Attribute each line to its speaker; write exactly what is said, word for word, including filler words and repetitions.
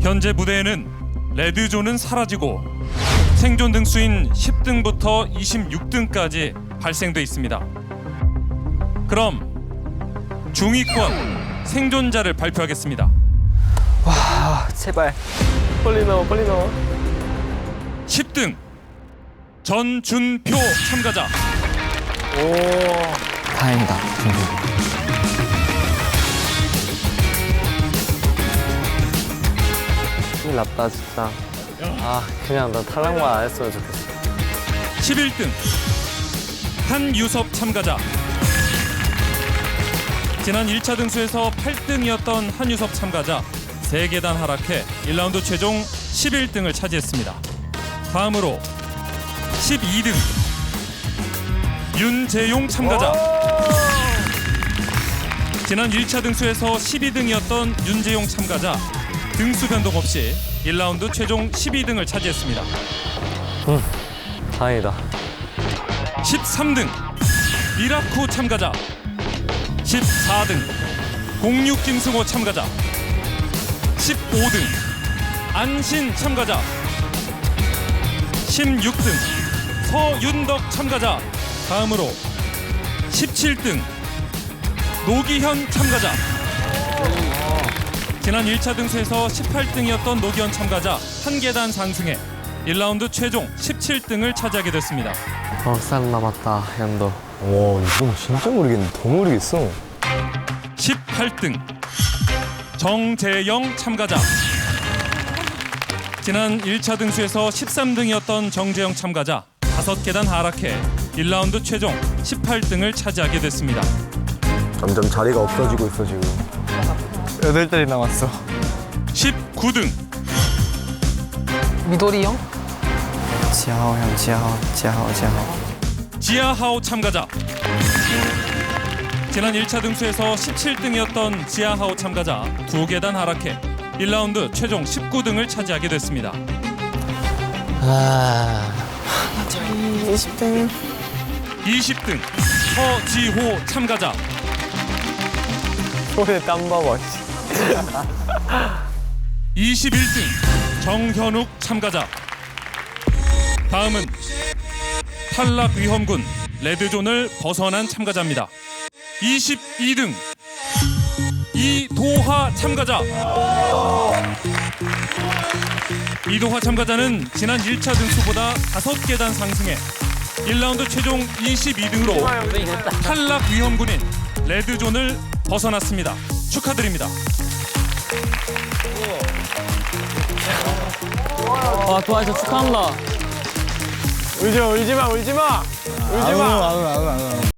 Speaker 1: 현재 무대에는 레드존은 사라지고 생존 등수인 십 등부터 이십육 등까지 발생돼 있습니다. 그럼 중위권 생존자를 발표하겠습니다.
Speaker 2: 와, 제발. 빨리 나와, 빨리 나와.
Speaker 1: 십 등 전준표 참가자.
Speaker 2: 오, 다행이다. 큰일 났다, 진짜. 아, 그냥 나 탈락만 안 했으면 좋겠어.
Speaker 1: 십일 등 한유섭 참가자. 지난 일 차 등수에서 팔 등이었던 한유섭 참가자 세 계단 하락해 일 라운드 최종 십일 등을 차지했습니다. 다음으로 십이 등 윤재용 참가자. 지난 일 차 등수에서 십이 등이었던 윤재용 참가자 등수 변동 없이 일 라운드 최종 십이 등을 차지했습니다.
Speaker 2: 응, 다행이다.
Speaker 1: 십삼 등 미라쿠 참가자. 십사 등 공육 김승호 참가자. 십오 등 안신 참가자. 십육 등 서윤덕 참가자. 다음으로 십칠 등 노기현 참가자. 지난 일 차 등수에서 십팔 등이었던 노기현 참가자 한 계단 상승해 일 라운드 최종 십칠 등을 차지하게 됐습니다.
Speaker 2: 어, 쌀 남았다, 현도.
Speaker 3: 와, 이건 진짜 모르겠네. 더 모르겠어.
Speaker 1: 십팔 등 정재영 참가자. 지난 일 차 등수에서 십삼 등이었던 정재영 참가자 다섯 계단 하락해 일 라운드 최종 십팔 등을 차지하게 됐습니다.
Speaker 3: 점점 자리가 없어지고 있어, 지금.
Speaker 2: 여덟 달이 남았어.
Speaker 1: 십구 등
Speaker 2: 미도리 형? 지하오 형, 지하오, 지하오, 지하오.
Speaker 1: 지하하오 참가자. 지난 일 차 등수에서 십칠 등이었던 지하하오 참가자 두 계단 하락해 일 라운드 최종 십구 등을 차지하게 됐습니다.
Speaker 2: 아, 저희 이십 등.
Speaker 1: 이십 등 서지호 참가자.
Speaker 2: 손에 땀 봐봐.
Speaker 1: 이십일 등 정현욱 참가자. 다음은 탈락 위험군 레드존을 벗어난 참가자입니다. 이십이 등 이도하 참가자. 이도하 참가자는 지난 일 차 등수보다 다섯 계단 상승해 일 라운드 최종 이십이 등으로 탈락 위험군인 레드존을 벗어났습니다. 축하드립니다.
Speaker 2: 와, 도와줘, 축하합니다.
Speaker 3: 울지 마, 울지 마, 울지 마! 울지 마! 안 울, 안 울, 안 울.